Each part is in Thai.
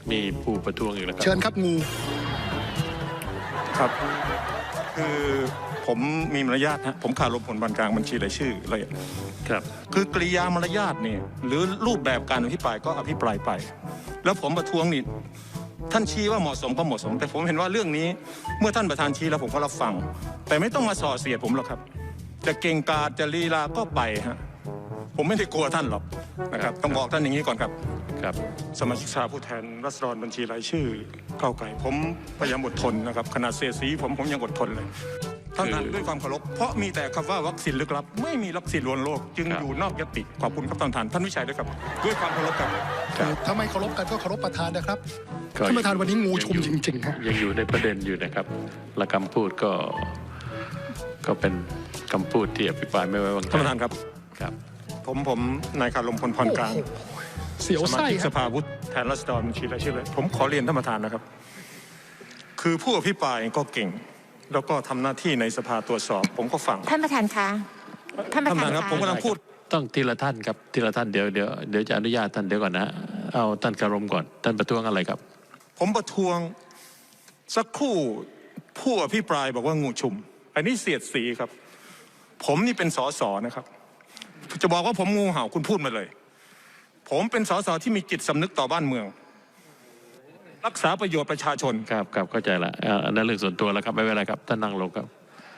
มีผู้ประท้วงอีกแล้วครับเชิญครับงูครับคือผมมีมารยาทฮะผมขาดลมผลบันกลางบัญชีรายชื่อเลยครับคือกริยามารยาทเนี่ยหรือรูปแบบการอภิปรายก็อภิปรายไป แล้วผมประท้วงนี่ท่านชี้ว่าเหมาะสมก็เหมาะสม แต่ผมเห็นว่าเรื่องนี้เมื่อท่านประธานชี้แล้วผมก็รับฟัง แต่ไม่ต้องมาส่อเสียดผมหรอกครับ จะเก่งกาจจะลีลาก็ไปฮะผมไม่ได้กลัวท่านหรอกนะครับต้องบอกท่านอย่างนี้ก่อนครับครับสมาชิกสภาผู้แทนราษฎรบัญชีรายชื่อก้าวไกลผมพยายามอดทนนะครับขนาดเสียสีผมยังอดทนเลยท่านท่านด้วยความเคารพเพราะมีแต่คำว่าวัคซีนลึกลับไม่มีวัคซีนลวงโลกจึงอยู่นอกยติขอบคุณครับท่านวิชัยด้วยครับด้วยความเคารพครับถ้าไม่เคารพกันก็เคารพประธานนะครับท่านประธานวันนี้งูชุมจริงๆฮะยังอยู่ในประเด็นอยู่นะครับและคำพูดก็เป็นคำพูดที่อภิปรายไม่ไว้วางใจท่านประธานครับครับผมนายคารมพลพรกลางเสียวสมาไส้ชิกคสรับภาผู้แทนราษฎรบัญชีรายชื่อเลยผมขอเรียนท่านประธานนะครับ คือผู้อภิปรายก็เก่ง แล้วก็ทำหน้าที่ในสภาตรวจสอบ ผมก็ฟังท่านประธานคะท่านประธานครับคะผมกำลังพูดต้องทีละท่านครับทีละท่านเดี๋ยวจะอนุญาตท่านเดี๋ยวก่อนนะเอาท่านคารมก่อนท่านประท้วงอะไรครับผมประท้วงสักครู่ผู้อภิปรายบอกว่างูชุม อันนี้เสียดสีครับ ผมนี่เป็นสสนะครับ จะบอกว่าผมงูเห่าคุณพูดมาเลย ผมเป็นสสที่มีจิตสำนึกต่อบ้านเมือง รักษาประโยชน์ประชาชนครับเข้าใจละอันนั้นเรื่องส่วนตัวแล้วครับไม่เป็นไรครับท่านนั่งลงครับ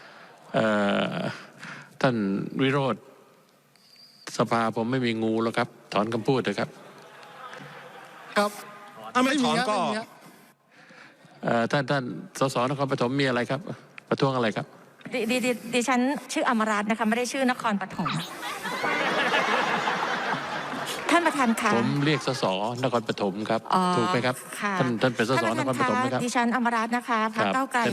ท่านวิโรธสภาผมไม่มีงูแล้วครับถอนคำพูดเถอะครับครับถ้าไม่ถอนก็ไม่มีฮะท่านสสนครปฐมมีอะไรครับ ประท้วงอะไรครับดิฉันชื่ออมรัตน์นะคะไม่ได้ชื่อนครปฐมท่านประธานคะผมเรียกสสนครปฐมครับอ๋อถูกไหมครับค่ะท่านเป็นสสนครปฐมไหมครับดิฉันอมรัตน์นะคะพรรคก้าวไกล